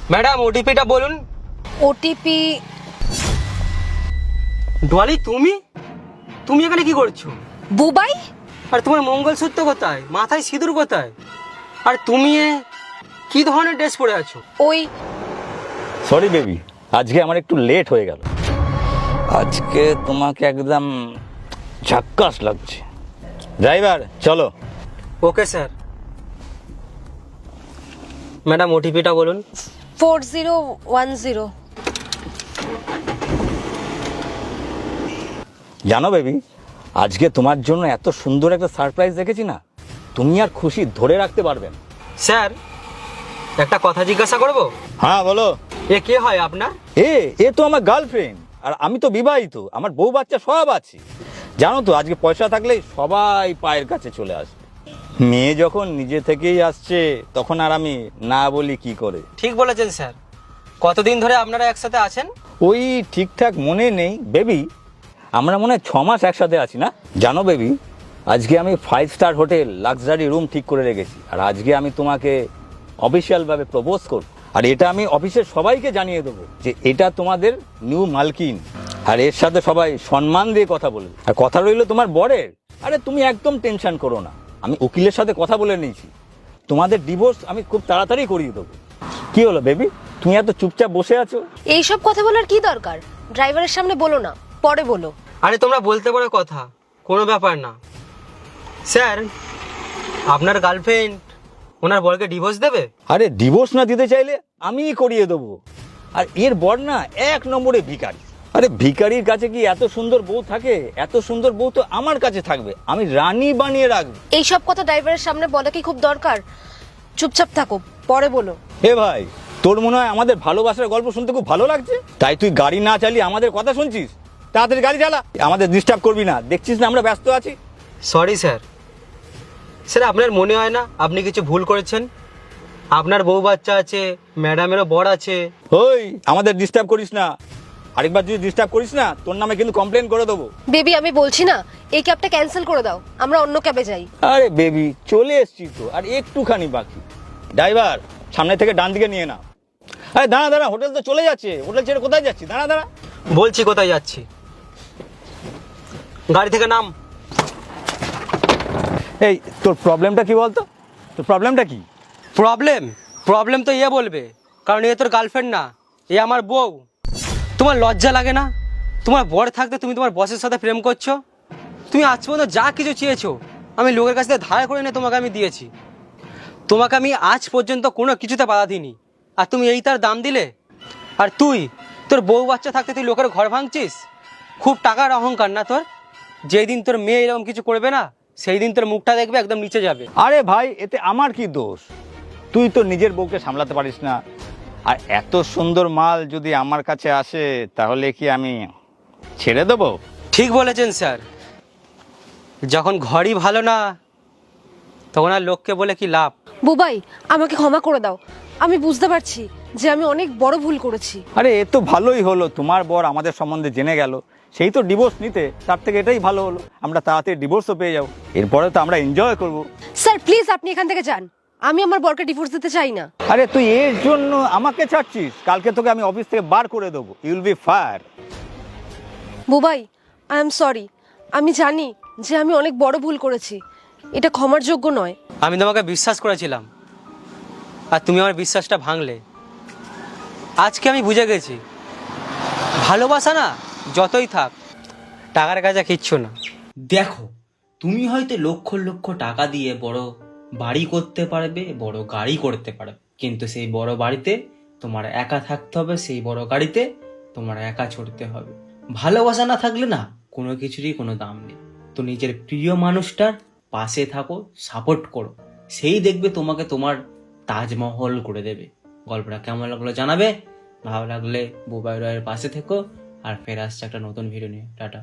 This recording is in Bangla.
ম্যাডাম ওটিপিটা বলুন। ওটিপি? ডলি তুমি তুমি এখানে কি করছো? বুবাই? আর তোমার মঙ্গলসূত্র কোথায়, মাথায় সিঁদুর কোথায়? আর তুমি কি ধরনের ড্রেস পরে আছো? ওই সরি বেবি, আজকে আমার একটু লেট হয়ে গেল। আজকে তোমাকে একদম ঝাক্কাস লাগছে। ড্রাইভার চলো। Okay sir. ম্যাডাম ওটিপিটা বলুন। 4010। জানো বেবি, আজকে তোমার জন্য এত সুন্দর একটা সারপ্রাইজ রেখেছি না, তুমি আর খুশি ধরে রাখতে পারবে না। স্যার একটা কথা জিজ্ঞাসা করব? হ্যাঁ বলো। এ কে হয় আপনার? এ তো আমার গার্লফ্রেন্ড, আর আমি তো বিবাহিত, আমার বউ বাচ্চা সব আছে। জানো তো, আজকে পয়সা থাকলেই সবাই পায়ের কাছে চলে আসবে। মেয়ে যখন নিজে থেকেই আসছে, তখন আর আমি না বলি কি করে? ঠিক বলেছেন স্যার। কতদিন ধরে আপনারা একসাথে আছেন? ওই ঠিকঠাক মনে নেই বেবি, আমরা মনে হয় 6 মাস একসাথে আছি না? জানো বেবি, আজকে আমি 5 স্টার হোটেল লাক্সারি রুম ঠিক করে রেখেছি, আর আজকে আমি তোমাকে অফিসিয়ালভাবে প্রপোজ করব। আর এটা আমি অফিসের সবাইকে জানিয়ে দেবো যে এটা তোমাদের নিউ মালকিন। আর এর সাথে সবাই সম্মান দিয়ে কথা বলবে। আর কথা রইলো তোমার বরের, আরে তুমি একদম টেনশন করো না, আমি উকিলের সাথে কথা বলে নিয়েছি, তোমাদের ডিভোর্স আমি খুব তাড়াতাড়ি করিয়ে দেবো। কি হলো বেবি, তুমি এত চুপচাপ বসে আছো? এইসব কথা বলার কি দরকার? ড্রাইভারের সামনে বলো না, পরে বলো। আরে তোমরা বলতে পারো কথা, কোনো ব্যাপার না। স্যার আপনার গার্লফ্রেন্ড ওনার বরকে ডিভোর্স দেবে? আরে ডিভোর্স না দিতে চাইলে আমিই করিয়ে দেবো। আর এর বর না 1 নম্বরে ভিখারি। আরে ভিখারির কাছে কি এত সুন্দর বউ থাকে? এত সুন্দর বউ তো আমার কাছে থাকবে, আমি রানী বানিয়ে রাখবো। এইসব কথা ড্রাইভারের সামনে বলা কি খুব দরকার? চুপচাপ থাকো, পরে বলো। হে ভাই, তোর মনে হয় আমাদের ভালোবাসার গল্প শুনতে খুব ভালো লাগছে, তাই তুই গাড়ি না চালিয়ে আমাদের কথা শুনছিস? তাড়াতাড়ি গাড়ি চালা, আমাদের ডিস্টার্ব করবি না, দেখছিস না আমরা ব্যস্ত আছি। Sorry sir. স্যার আপনার মনে হয় না আপনি কিছু ভুল করেছেন? আপনার বউ বাচ্চা আছে, ম্যাডামেরও বর আছে। ওই আমাদের ডিস্টার্ব করিস না, আরেকবার যদি ডিস্টার্ব করিস না তোর নামে কিন্তু কমপ্লেন করে দেবো। বেবি আমি বলছি না, এই ক্যাবটা ক্যান্সেল করে দাও, আমরা অন্য ক্যাবে যাই। আরে বেবি চলে এসছি তো, আর একটুখানি বাকি। ড্রাইভার সামনে থেকে ডান দিকে নিয়ে নাও। আরে দাঁড়া দাঁড়া, হোটেল তো চলে যাচ্ছে, হোটেল ছেড়ে কোথায় যাচ্ছি? দাঁড়া দাঁড়া। বলছি কোথায় যাচ্ছি, গাড়ি থেকে নাম। এই তোর প্রবলেমটা কি বলতো? তোর প্রবলেমটা কি? প্রবলেম তো ইয়ে বলবে, কারণ এ তোর গার্লফ্রেন্ড না, এ আমার বউ। তোমার লজ্জা লাগে না? তোমার বর থাকতে তুমি তোমার বসের সাথে প্রেম করছো। তুমি আজ পর্যন্ত যা কিছু চেয়েছো আমি লোকের কাছ থেকে ধার করে এনে তোমাকে আমি দিয়েছি। তোমাকে আমি আজ পর্যন্ত কোনো কিছুতে বাধা দিইনি, আর তুমি এই তার দাম দিলে? আর তুই তোর বউ বাচ্চা থাকতে তুই লোকের ঘর ভাঙছিস? খুব টাকার অহংকার না তোর? যেই দিন তোর মেয়ে এরকম কিছু করবে না, সেই দিন তোর মুখটা দেখবে একদম নিচে যাবে। আরে ভাই এতে আমার কি দোষ? তুই তো নিজের বউকে সামলাতে পারিস না, আর এত সুন্দর মাল যদি আমার কাছে আসে তাহলে কি আমি ছেড়ে দেবো? ঠিক বলেছেন স্যার। যখন ঘরই ভালো না, তখন আর লোককে বলে কি লাভ? বুবাই আমাকে ক্ষমা করে দাও, আমি বুঝতে পারছি যে আমি অনেক বড় ভুল করেছি। আরে এ তো ভালোই হলো, তোমার বর আমাদের সম্বন্ধে জেনে গেল, সেই তো ডিভোর্স নিতে, তার থেকে এটাই ভালো হলো, আমরা তাড়াতাড়ি ডিভোর্সও পেয়ে যাবো, এরপরে তো আমরা এনজয় করব। স্যার প্লিজ আপনি এখান থেকে যান, আমি আমার বরকে ডিভোর্স দিতে চাই না। আরে তুই এর জন্য আমাকে ছাড়ছিস? কালকে তোকে আমি অফিস থেকে বার করে দেবো, you will be fire. Bubai I am sorry, আমি জানি যে আমি অনেক বড় ভুল করেছি, এটা ক্ষমার যোগ্য নয়। আমি তোমাকে বিশ্বাস করেছিলাম, আর তুমি আমার বিশ্বাসটা ভাঙলে। আজকে আমি বুঝে গেছি, ভালোবাসা না যতই থাক, টাকার কাছে কিচ্ছু না। দেখো, তুমি হয়তো লক্ষ লক্ষ টাকা দিয়ে বড় বাড়ি করতে পারবে, বড় গাড়ি করতে পারবে, কিন্তু সেই বড় বাড়িতে তোমার একা থাকতে হবে, সেই বড় গাড়িতে তোমার একা চড়তে হবে। ভালোবাসা না থাকলে না কোনো কিছুরই কোনো দাম নেই। তো নিজের প্রিয় মানুষটার পাশে থাকো, সাপোর্ট করো, সেই দেখবে তোমাকে তোমার তাজমহল করে দেবে। গল্পটা কেমন লাগলো জানাবে, ভালো লাগলে বুবাই রয়ের পাশে থেকো। আর ফের আসছে একটা নতুন ভিডিও নিয়ে। টাটা।